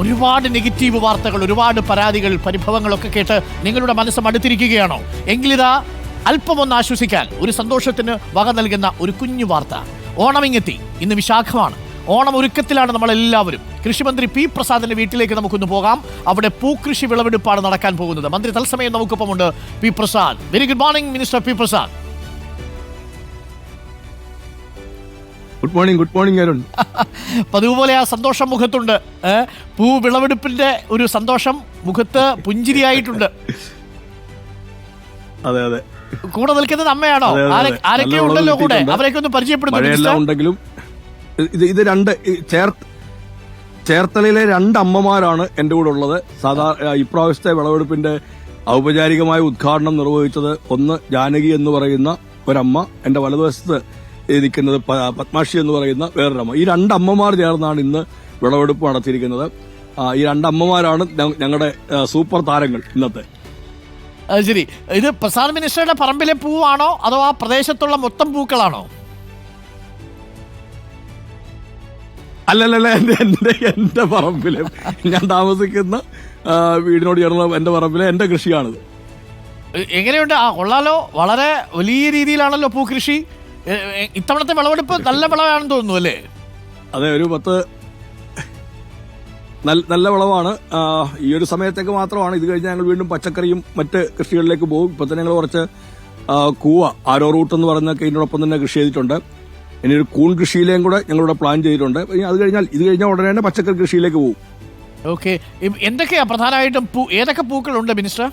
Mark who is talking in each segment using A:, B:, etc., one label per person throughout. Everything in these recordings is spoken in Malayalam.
A: ഒരുപാട് നെഗറ്റീവ് വാർത്തകൾ, ഒരുപാട് പരാതികൾ, പരിഭവങ്ങളൊക്കെ കേട്ട് നിങ്ങളുടെ മനസ്സ് മടുത്തിരിക്കുകയാണോ? എങ്കിലിതാ അല്പമൊന്ന് ആശ്വസിക്കാൻ ഒരു സന്തോഷത്തിന് വക നൽകുന്ന ഒരു കുഞ്ഞു വാർത്ത. ഓണമിങ്ങെത്തി. ഇന്ന് വിശാഖമാണ്. ഓണം ഒരുക്കത്തിലാണ് നമ്മളെല്ലാവരും. കൃഷിമന്ത്രി പി പ്രസാദിന്റെ വീട്ടിലേക്ക് നമുക്കൊന്ന് പോകാം. അവിടെ പൂക്കൃഷി വിളവെടുപ്പാണ് നടക്കാൻ പോകുന്നത്. മന്ത്രി തത്സമയം നമുക്കൊപ്പമുണ്ട്. P Prasad, very good morning minister P Prasad.
B: Good morning Arun.
A: പതിവ് പോലെ ആ സന്തോഷം മുഖത്തുണ്ട്. പൂ വിളവെടുപ്പിന്റെ ഒരു സന്തോഷം മുഖത്ത് പുഞ്ചിരിയായിട്ടുണ്ട്.
B: അതെ അതെ.
A: കൂടെ നിൽക്കുന്നത് അമ്മയാണോ? ആരൊക്കെ ഉണ്ടല്ലോ കൂടെ? അവരെയൊക്കെ ഒന്ന് പരിചയപ്പെടുത്തുന്നുണ്ടെങ്കിലും
B: ഇത് രണ്ട് ചേർത്തലയിലെ രണ്ട് അമ്മമാരാണ് എന്റെ കൂടെ ഉള്ളത്. ഇപ്രാവശ്യത്തെ വിളവെടുപ്പിന്റെ ഔപചാരികമായ ഉദ്ഘാടനം നിർവഹിച്ചത് ഒന്ന് ജാനകി എന്ന് പറയുന്ന ഒരമ്മ, എന്റെ വലതുവശത്ത് നിൽക്കുന്നത് പത്മാക്ഷി എന്ന് പറയുന്ന വേറൊരമ്മ. ഈ രണ്ടമ്മമാർ ചേർന്നാണ് ഇന്ന് വിളവെടുപ്പ് നടത്തിയിരിക്കുന്നത്. ഈ രണ്ടമ്മമാരാണ് ഞങ്ങളുടെ സൂപ്പർ താരങ്ങൾ ഇന്നത്തെ.
A: ശരി, ഇത് പ്രസാദ് മിനിസ്റ്ററുടെ പറമ്പിലെ പൂവാണോ അതോ ആ പ്രദേശത്തുള്ള മൊത്തം പൂക്കളാണോ?
B: അല്ലല്ല, എന്റെ പറമ്പിലെ, ഞാൻ താമസിക്കുന്ന വീടിനോട് ചേർന്ന എന്റെ പറമ്പിലെ എന്റെ കൃഷിയാണിത്.
A: എങ്ങനെയുണ്ട്? കൊള്ളാലോ, വളരെ വലിയ രീതിയിലാണല്ലോ പൂക്കൃഷി. ഇത്തവണത്തെ വിളവെടുപ്പ് നല്ല വിളവാണെന്ന് തോന്നുന്നു അല്ലേ?
B: അതെ, ഒരു 10 നല്ല വിളവാണ്. ഈ ഒരു സമയത്തേക്ക് മാത്രമാണ്. ഇത് കഴിഞ്ഞാൽ ഞങ്ങൾ വീണ്ടും പച്ചക്കറിയും മറ്റ് കൃഷികളിലേക്ക് പോകും. ഇപ്പൊ തന്നെ ഞങ്ങൾ കുറച്ച് കൂവ, ആരോ റൂട്ട് എന്ന് പറയുന്നൊക്കെ ഇതിനോടൊപ്പം തന്നെ കൃഷി ചെയ്തിട്ടുണ്ട്. ഇനി ഒരു കൂൺ കൃഷിയിലേയും കൂടെ ഞങ്ങളിവിടെ പ്ലാൻ ചെയ്തിട്ടുണ്ട്. ഇത് കഴിഞ്ഞാൽ ഉടനെ തന്നെ പച്ചക്കറി കൃഷിയിലേക്ക് പോകും.
A: ഓക്കെ, എന്തൊക്കെയാ പ്രധാനമായിട്ടും ഏതൊക്കെ പൂക്കളുണ്ട് മിനിസ്റ്റർ?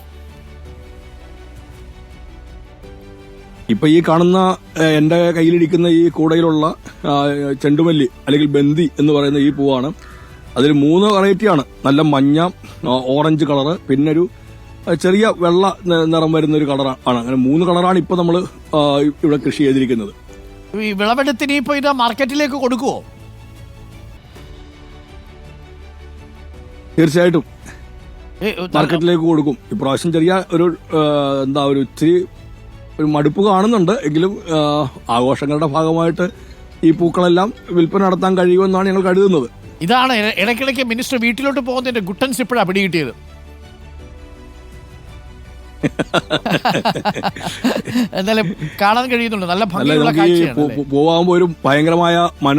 B: ഇപ്പൊ ഈ കാണുന്ന എന്റെ കയ്യിലിരിക്കുന്ന ഈ കൂടയിലുള്ള ചെണ്ടുമല്ലി അല്ലെങ്കിൽ ബന്ദി എന്ന് പറയുന്ന ഈ പൂവാണ്. അതിൽ 3 വെറൈറ്റിയാണ്. നല്ല മഞ്ഞ, ഓറഞ്ച് കളറ്, പിന്നെ ഒരു ചെറിയ വെള്ള നിറം വരുന്ന ഒരു കളറാണ്. അങ്ങനെ 3 കളറാണ് ഇപ്പൊ നമ്മൾ ഇവിടെ കൃഷി ചെയ്തിരിക്കുന്നത്.
A: ഈ വിളവെടുത്തിന് ഇപ്പൊ ഇത് മാർക്കറ്റിലേക്ക് കൊടുക്കുവോ?
B: തീർച്ചയായിട്ടും മാർക്കറ്റിലേക്ക് കൊടുക്കും. ഇപ്രാവശ്യം ചെറിയ ഒരു ഇച്ചിരി ഒരു മടുപ്പ് കാണുന്നുണ്ട്. എങ്കിലും ആഘോഷങ്ങളുടെ ഭാഗമായിട്ട് ഈ പൂക്കളെല്ലാം വിൽപ്പന നടത്താൻ കഴിയുമെന്നാണ് ഞങ്ങൾ കരുതുന്നത്.
A: ഇതാണ് ഇടയ്ക്കിടയ്ക്ക് മിനിസ്റ്റർ വീട്ടിലോട്ട് പോകുന്നതിന്റെ ഗുട്ടൻസ് ഇപ്പോഴാണ് പിടികിട്ടിയത്. എന്തായാലും കാണാൻ കഴിയുന്നുണ്ട്, നല്ല ഭംഗിയുള്ള കാഴ്ചയാണ്.
B: പോവാകുമ്പോൾ ഒരു ഭയങ്കരമായ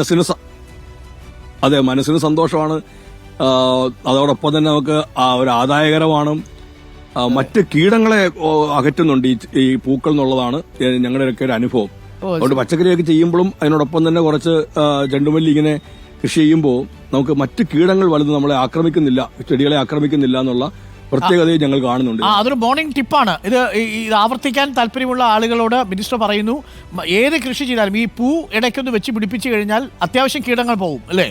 B: മനസ്സിന് സന്തോഷമാണ്. അതോടൊപ്പം തന്നെ നമുക്ക് ഒരു ആദായകരമാണ്. മറ്റ് കീടങ്ങളെ അകറ്റുന്നുണ്ട് ഈ പൂക്കൾ എന്നുള്ളതാണ് ഞങ്ങളുടെയൊക്കെ ഒരു അനുഭവം. അതുകൊണ്ട് പച്ചക്കറിയൊക്കെ ചെയ്യുമ്പോഴും അതിനോടൊപ്പം തന്നെ കുറച്ച് ചെണ്ടുമല്ലി ഇങ്ങനെ കൃഷി ചെയ്യുമ്പോൾ നമുക്ക് മറ്റ് കീടങ്ങൾ വലുത് നമ്മളെ ആക്രമിക്കുന്നില്ല, ചെടികളെ ആക്രമിക്കുന്നില്ല എന്നുള്ള പ്രത്യേകതയും ഞങ്ങൾ കാണുന്നുണ്ട്.
A: അതൊരു മോർണിംഗ് ടിപ്പാണ്. ഇത് ആവർത്തിക്കാൻ താല്പര്യമുള്ള ആളുകളോട് മിനിസ്റ്റർ പറയുന്നു, ഏത് കൃഷി ചെയ്താലും ഈ പൂ ഇടയ്ക്കൊന്ന് വെച്ച് പിടിപ്പിച്ചു കഴിഞ്ഞാൽ അത്യാവശ്യം കീടങ്ങൾ പോകും അല്ലേ?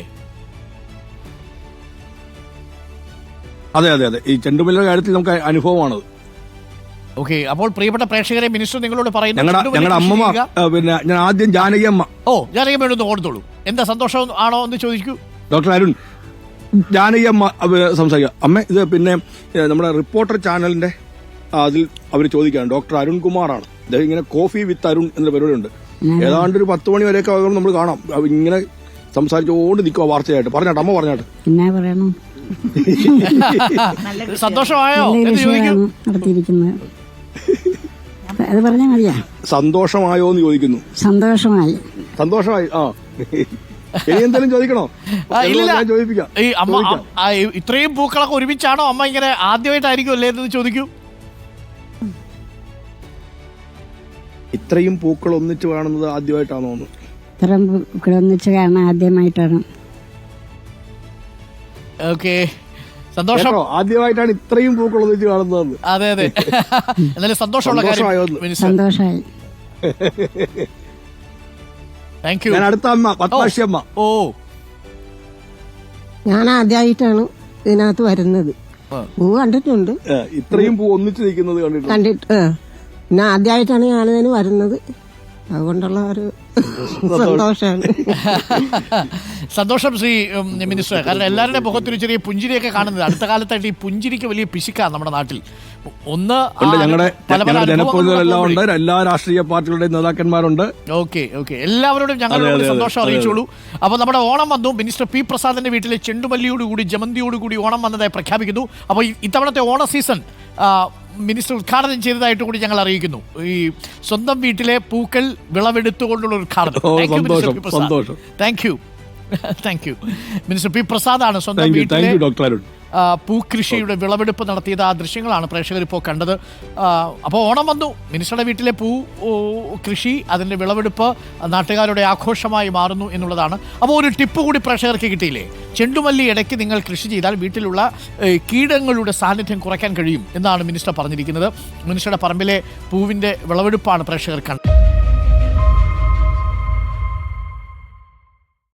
B: അതെ. ഈ ചെണ്ടുമല്ലിയുടെ കാര്യത്തിൽ നമുക്ക് അനുഭവമാണത്.
A: ഓക്കെ, അപ്പോൾ പ്രിയപ്പെട്ട പ്രേക്ഷകരെ മിനിസ്റ്റർ നിങ്ങളോട് പറയുന്നു,
B: ഞങ്ങളുടെ അമ്മ, പിന്നെ ഞാൻ ആദ്യം ജാനകി അമ്മ.
A: ജാനകി അമ്മ ഒന്ന് ഓർത്തോളൂ. എന്താ സന്തോഷം ആണോ എന്ന് ചോദിക്കൂ.
B: ഡോക്ടർ അരുൺ, ജാനകി അമ്മ സംസാരിക്കുക. അമ്മ, ഇത് പിന്നെ നമ്മുടെ റിപ്പോർട്ടർ ചാനലിന്റെ അതിൽ അവർ ചോദിക്കുകയാണ്. ഡോക്ടർ അരുൺ കുമാറാണ്. അദ്ദേഹം ഇങ്ങനെ കോഫി വിത്ത് അരുൺ എന്ന പരിപാടിയുണ്ട്. ഏതാണ്ട് ഒരു 10 മണി വരെയൊക്കെ നമ്മൾ കാണാം. ഇങ്ങനെ സംസാരിച്ചുകൊണ്ട് നിൽക്കുക വാർത്തയായിട്ട്. പറഞ്ഞാട്ടെ അമ്മ, പറഞ്ഞാട്ടെ.
C: എന്നാ പറയണം?
A: സന്തോഷമായോ?
C: അത് പറഞ്ഞാൽ മതിയാ.
B: സന്തോഷമായോ എന്ന് ചോദിക്കുന്നു.
C: സന്തോഷമായി.
B: ആ, ഇനി എന്തെങ്കിലും ചോദിക്കണോ? ചോദിപ്പിക്കാം.
A: ഇത്രയും പൂക്കളൊക്കെ ഒരുമിച്ചാണോ അമ്മ ഇങ്ങനെ ആദ്യമായിട്ടായിരിക്കും അല്ലേ എന്ന് ചോദിക്കൂ.
B: ഇത്രയും പൂക്കൾ ഒന്നിച്ച് കാണുന്നത് ആദ്യമായിട്ടാണോ?
C: ഇത്രയും പൂക്കൾ ഒന്നിച്ച് കാണാൻ ആദ്യമായിട്ടാണ്.
A: ഓക്കെ, സന്തോഷം.
B: ആദ്യമായിട്ടാണ് ഇത്രയും പൂക്കൾ ഒന്നിച്ച് കാണുന്നത്.
A: അതെ. എന്നാലും സന്തോഷമുള്ള കാര്യം.
C: സന്തോഷമായി.
A: Thank you.
B: ഞാൻ അടുത്ത അമ്മ, പത്മാക്ഷി അമ്മ.
D: ഞാൻ ആദ്യമായിട്ടാണ് ഇതിനകത്ത് വരുന്നത്. പൂ കണ്ടിട്ടുണ്ട്,
B: ഇത്രയും പൂ ഒന്നിച്ച് നിൽക്കുന്നത് കണ്ടിട്ട്.
D: പിന്നെ ആദ്യമായിട്ടാണ് ഞാനിതിന് വരുന്നത്. അതുകൊണ്ടുള്ള ഒരു സന്തോഷമാണ്.
A: സന്തോഷം ശ്രീ മിനിസ്റ്റർ. കാരണം എല്ലാവരുടെ മുഖത്തൊരു ചെറിയ പുഞ്ചിരിയൊക്കെ കാണുന്നത് അടുത്ത കാലത്തായിട്ട് ഈ പുഞ്ചിരിക്ക് വലിയ പിശുക്കാണ് നമ്മുടെ നാട്ടിൽ. ഒന്ന്
B: ഞങ്ങളുടെ
A: പല പല
B: ജനപ്രതിനിധികളെല്ലാം ഉണ്ട്, എല്ലാ രാഷ്ട്രീയ പാർട്ടികളുടെയും നേതാക്കന്മാരുണ്ട്.
A: ഓക്കെ എല്ലാവരോടും ഞങ്ങളോട് സന്തോഷം അറിയിച്ചോളൂ. അപ്പോൾ നമ്മുടെ ഓണം വന്നു. മിനിസ്റ്റർ പി പ്രസാദിന്റെ വീട്ടിലെ ചെണ്ടുമല്ലിയോടുകൂടി ജമന്തിയോടുകൂടി ഓണം വന്നതായി പ്രഖ്യാപിക്കുന്നു. അപ്പോൾ ഇത്തവണത്തെ ഓണ സീസൺ മിനിസ്റ്റർ ഉദ്ഘാടനം ചെയ്തതായിട്ട് കൂടി ഞങ്ങൾ അറിയിക്കുന്നു. ഈ സ്വന്തം വീട്ടിലെ പൂക്കൾ വിളവെടുത്തുകൊണ്ടുള്ള ഉദ്ഘാടനം.
B: സന്തോഷം.
A: താങ്ക് യു മിനിസ്റ്റർ പി പ്രസാദാണ് സ്വന്തം വീട്ടിലെ
B: ഡോക്ടർ അരുൺ
A: പൂക്കൃഷിയുടെ വിളവെടുപ്പ് നടത്തിയത്. ആ ദൃശ്യങ്ങളാണ് പ്രേക്ഷകർ ഇപ്പോൾ കണ്ടത്. അപ്പോൾ ഓണം വന്നു. മിനിസ്റ്ററുടെ വീട്ടിലെ പൂ കൃഷി, അതിൻ്റെ വിളവെടുപ്പ് നാട്ടുകാരുടെ ആഘോഷമായി മാറുന്നു എന്നുള്ളതാണ്. അപ്പോൾ ഒരു ടിപ്പ് കൂടി പ്രേക്ഷകർക്ക് കിട്ടിയില്ലേ? ചെണ്ടുമല്ലി ഇടയ്ക്ക് നിങ്ങൾ കൃഷി ചെയ്താൽ വീട്ടിലുള്ള കീടങ്ങളുടെ സാന്നിധ്യം കുറയ്ക്കാൻ കഴിയും എന്നാണ് മിനിസ്റ്റർ പറഞ്ഞിരിക്കുന്നത്. മിനിസ്റ്ററുടെ പറമ്പിലെ പൂവിൻ്റെ വിളവെടുപ്പാണ് പ്രേക്ഷകർ കണ്ടത്.